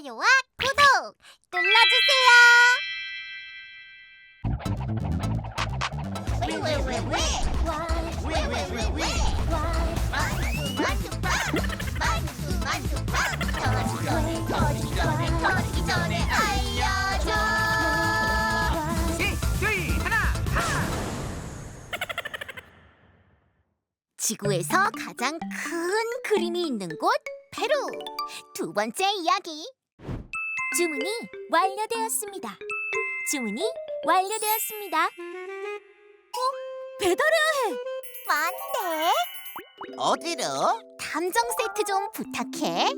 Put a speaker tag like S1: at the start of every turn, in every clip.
S1: 좋아요와 구독 눌러주세요. 터지기 전에 알려줘. 지구에서 가장 큰 그림이 있는 곳 페루. 두 번째 이야기. 주문이 완료되었습니다. 주문이 완료되었습니다. 배달해야 해. 뭔데?
S2: 어디로?
S1: 탐정 세트 좀 부탁해.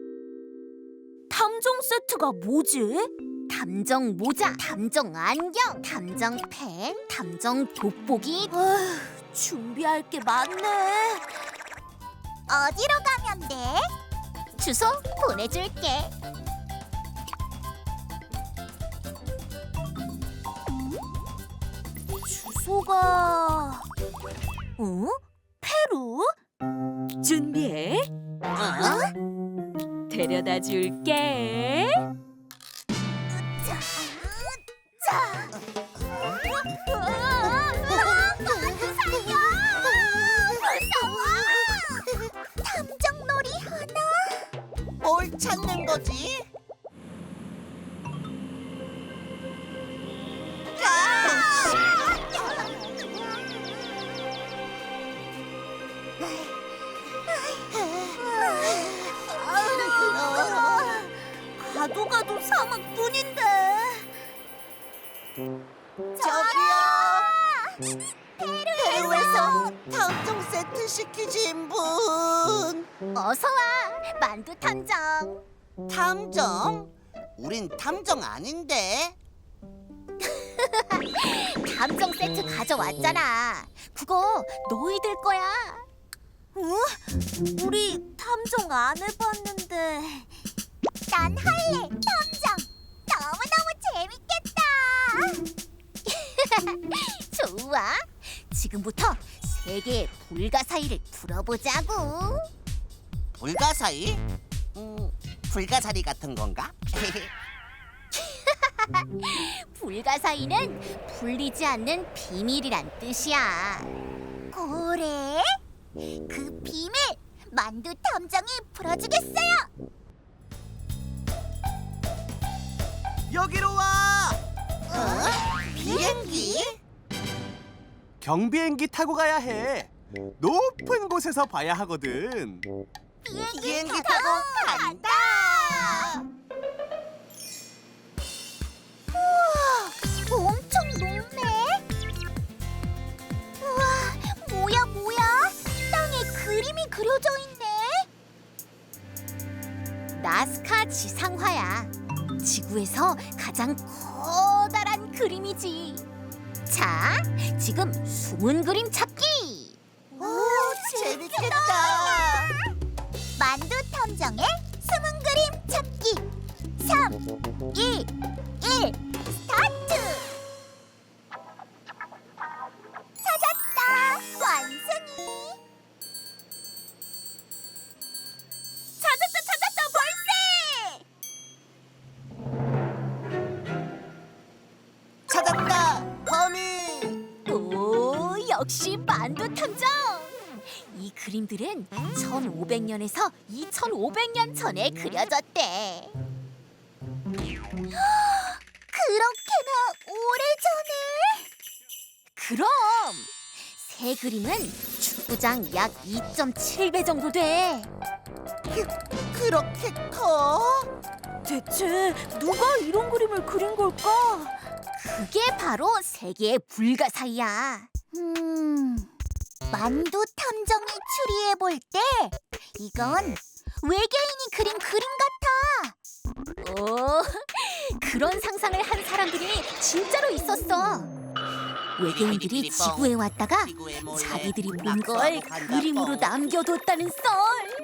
S3: 탐정 세트가 뭐지?
S1: 탐정 모자, 탐정 안경, 탐정 펜, 탐정 돋보기.
S3: 준비할 게 많네.
S1: 어디로 가면 돼? 주소 보내줄게.
S3: 주소가... 페루? 준비해. 데려다 줄게.
S1: 탐정놀이 하나?
S2: 뭘 찾는 거지?
S3: 가도 가도 사막뿐인데.
S2: 저기요. 페루에서 탐정 세트 시키신 분.
S1: 어서 와, 만두 탐정.
S2: 탐정? 우린 탐정 아닌데.
S1: 탐정 세트 가져왔잖아. 그거 너희들 거야.
S3: 우리 탐정 안 해봤는데.
S1: 난 할래, 탐정. 너무너무 재밌겠다. 좋아. 지금부터 세 개의 불가사의를 풀어보자고.
S2: 불가사의? 불가사리 같은 건가?
S1: 불가사의는 풀리지 않는 비밀이란 뜻이야. 그래? 그 비밀 만두 탐정이 풀어주겠어요.
S2: 여기로 와. 비행기?
S4: 경비행기 타고 가야 해. 높은 곳에서 봐야 하거든.
S2: 비행기 타고 간다.
S1: 우와, 엄청 높네. 우와, 뭐야? 땅에 그림이 그려져 있네. 나스카 지상화야. 지구에서 가장 커다란 그림이지. 자, 지금 숨은 그림 찾기.
S2: 오, 재밌겠다.
S1: 만두 탐정의 숨은 그림 찾기. 3, 2, 1, 스타트! 찾았다! 완승이! 찾았다! 벌새!
S2: 찾았다. 범인.
S1: 오, 역시 만두 탐정! 이 그림들은 1500년에서 2500년 전에 그려졌대. 그렇게나 오래전에? 그럼! 새 그림은 축구장 약 2.7배 정도 돼.
S2: 그렇게 커?
S3: 대체 누가 이런 그림을 그린 걸까?
S1: 그게 바로 세계의 불가사의야. 만두 탐정이 추리해볼 때 이건 외계인이 그린 그림 같아. 오, 그런 상상을 한 사람들이 진짜로 있었어. 외계인들이 지구에 왔다가 자기들이 본 걸 그림으로 남겨뒀다는 썰.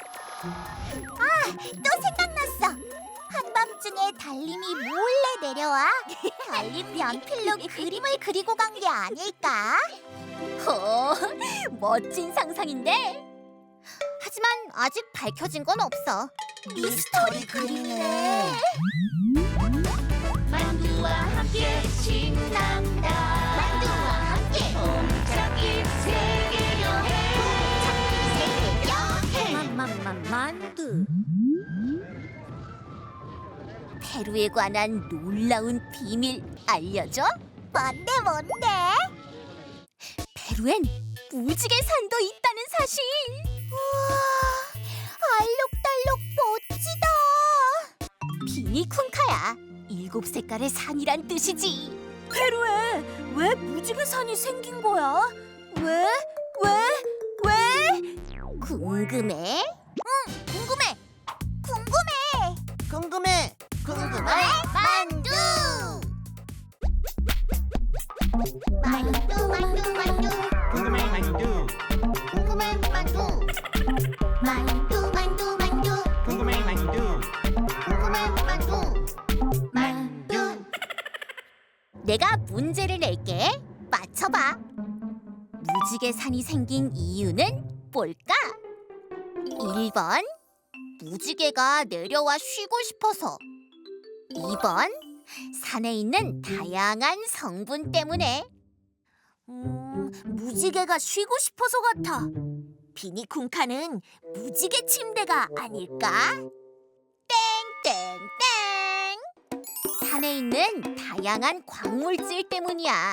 S1: 또 생각났어. 한밤중에 달님이 몰래 내려와 달님 연필로 그림을 그리고 간 게 아닐까? 멋진 상상인데? 하지만 아직 밝혀진 건 없어.
S2: 미스터리 그림이네.
S5: 만두와 함께 신난다.
S1: 만두와 함께
S5: 짝이 세계 여행.
S3: 만두.
S1: 페루에 관한 놀라운 비밀 알려줘? 뭔데?
S3: 페루엔 무지개 산도 있다는 사실.
S1: 우와, 알록달록 멋지다.
S3: 비니쿤카야. 7색깔의 산이란 뜻이지. 페루에 왜 무지개 산이 생긴 거야? 왜?
S1: 궁금해? 응, 궁금해.
S2: 궁금해.
S1: 만두! 만두.
S4: 궁금해 만두.
S1: 궁금해 만두. 만두.
S4: 궁금해 만두.
S1: 궁금해 만두.
S3: 내가 문제를 낼게. 맞춰봐. 무지개 산이 생긴 이유는 뭘까? 1번 무지개가 내려와 쉬고 싶어서. 2번 산에 있는 다양한 성분 때문에. 무지개가 쉬고 싶어서 같아. 비니쿵카는 무지개 침대가 아닐까? 땡땡땡. 산에 있는 다양한 광물질 때문이야.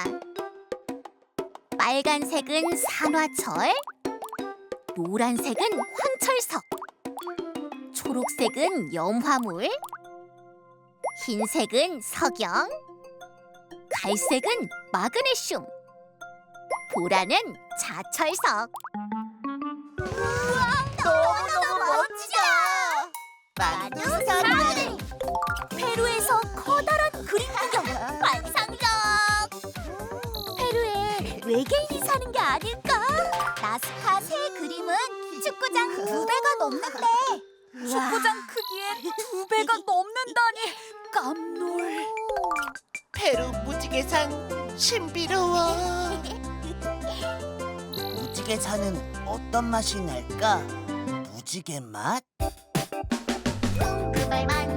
S3: 빨간색은 산화철, 노란색은 황철석, 초록색은 염화물, 흰색은 석영, 갈색은 마그네슘, 보라는 자철석.
S1: 너무 멋지다.
S2: 만두
S1: 사람들.
S3: 페루에서 커다란 그림 구경 환상적. 페루에 외계인이 사는 게 아닐까?
S1: 나스카 새 그림은 축구장 2배가 넘는데.
S3: 축구장 크기에 2배가 넘는다니 깜놀.
S2: 페루 무지개산 신비로워. 무지개산은 어떤 맛이 날까? 무지개 맛?
S1: 궁금할 만두.